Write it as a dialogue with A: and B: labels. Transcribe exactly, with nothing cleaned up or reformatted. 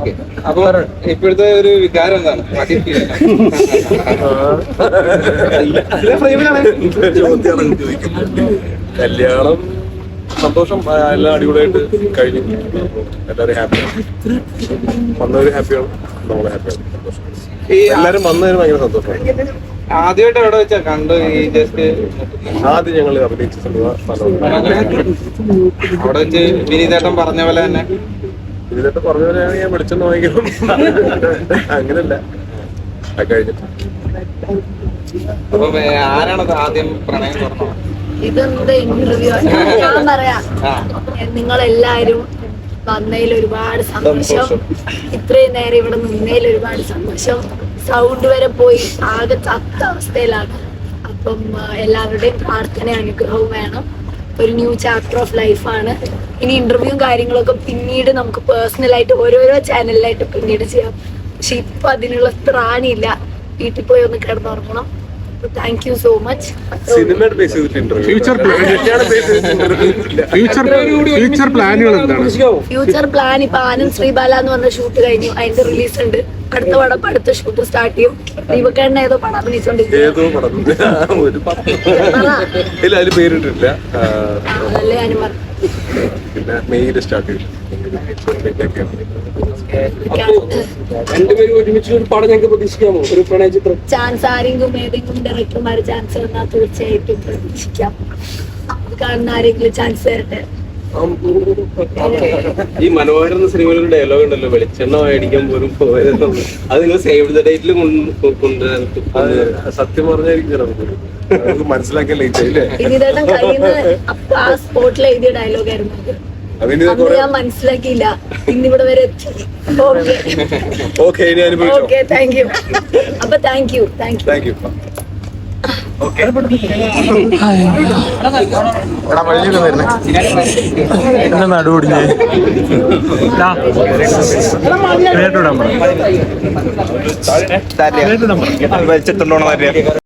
A: Okay, അപ്പൊ ഇപ്പോഴത്തെ ഒരു വികാരം എന്താണ്?
B: കല്യാണം സന്തോഷം, എല്ലാം അടിപൊളിയായിട്ട് കഴിഞ്ഞു. എല്ലാവരും ഹാപ്പിയാണ്, വന്നവര് ഹാപ്പിയാണ്, നമ്മളെ ഹാപ്പിയാണ്. സന്തോഷം, എല്ലാരും വന്നതിന് ഭയങ്കര സന്തോഷമാണ്.
A: ആദ്യമായിട്ട് എവിടെ വെച്ചാ കണ്ടു ഈ ജസ്റ്റ്?
B: ആദ്യം ഞങ്ങൾ അഭിനയിച്ച സ്ഥലം
A: അവിടെ വെച്ച് വിനീതേട്ടൻ പറഞ്ഞ പോലെ തന്നെ.
B: ഇതിലൊക്കെ പറഞ്ഞ പോലെ ഞാൻ വിളിച്ചെന്ന് വാങ്ങിക്കണം, അങ്ങനല്ല കഴിഞ്ഞിട്ട്.
A: അപ്പൊ ആരാണത് ആദ്യം പ്രണയം തുറന്നത്?
C: ഇതെന്ത് ഇന്റർവ്യൂ? ഞാൻ പറയാം, നിങ്ങളെല്ലാരും വന്നതിൽ ഒരുപാട് സന്തോഷം. ഇത്രയും നേരം ഇവിടെ നിന്നതിൽ ഒരുപാട് സന്തോഷം. സൗണ്ട് വരെ പോയി ആകെ ചത്ത അവസ്ഥയിലാണ്. അപ്പം എല്ലാവരുടെയും പ്രാർത്ഥന അനുഗ്രഹവും വേണം. ഒരു ന്യൂ ചാപ്റ്റർ ഓഫ് ലൈഫാണ്. ഇനി ഇന്റർവ്യൂവും കാര്യങ്ങളൊക്കെ പിന്നീട് നമുക്ക് പേഴ്സണലായിട്ട് ഓരോരോ ചാനലിലായിട്ട് പിന്നീട് ചെയ്യാം. പക്ഷെ ഇപ്പൊ അതിനുള്ള ത്രാണിയില്ല. വീട്ടിൽ പോയി ഒന്ന് കിടന്നുറങ്ങണം. Thank you so much.
B: സിനിമയുടെ ബേസ് ചെയ്തിട്ട്
D: ഫ്യൂച്ചർ ഫ്യൂച്ചർ പ്ലാനുകൾ എന്താണ്?
C: ഫ്യൂച്ചർ പ്ലാൻ ഇപ്പൊ ആനന്ദ് ശ്രീബാല എന്ന് പറഞ്ഞ ഷൂട്ട് കഴിഞ്ഞു, അതിന്റെ റിലീസ് ഉണ്ട്. അടുത്ത പടം അടുത്ത ഷൂട്ട് സ്റ്റാർട്ട് ചെയ്യും. ദീപക്കേണ്ണ ഏതോ പടം അഭിനയിച്ചോണ്ടിരിക്കും.
B: ഏതോ പടം ഒരു ഇല്ല, അതിൽ പേരിട്ടില്ല.
C: അതല്ലേ ഞാനും പറഞ്ഞു.
B: പിന്നെ മെയ്യിൽ സ്റ്റാർട്ട് ചെയ്യും.
E: രണ്ടുപേരും ഒരുമിച്ച് ഒരു പടം ഞങ്ങൾക്ക് പ്രതീക്ഷിക്കാമോ? ഒരു പ്രണയ ചിത്രം
C: ചാൻസ് ആരെങ്കിലും ഏതെങ്കിലും ഡയറക്ടർമാര് ചാൻസ് തന്നാൽ തീർച്ചയായിട്ടും പ്രതീക്ഷിക്കാം. അത് കാണുന്ന ആരെങ്കിലും ചാൻസ് തരട്ടെ.
F: ഈ മനോഹരൻ എന്ന സിനിമയിൽ ഒരു ഡയലോഗ് ഉണ്ടല്ലോ, വെളിച്ചെണ്ണ മേടിക്കാൻ പോലും പോയത്. അത് നിങ്ങൾ സേവ് ദ ഡേറ്റിൽ കൊണ്ടുവരാൻ
B: സത്യം പറഞ്ഞായിരിക്കും മനസ്സിലാക്കാൻ ലേറ്റ് ആയില്ലേ?
C: വിനീതേട്ടൻ കഴിയുന്ന അപ്പൊ ആ സ്പോട്ടിൽ എഴുതിയ ഡയലോഗ് ആയിരുന്നു അത്. അന്ന് ഞാൻ മനസ്സിലാക്കിയില്ല, ഇന്നിവിടെ വരെ എത്തി. Okay okay, thank you. അപ്പൊ thank you thank you
B: thank you.
D: നടുപൊടിഞ്ഞ് വലിച്ചിട്ടുണ്ടോ?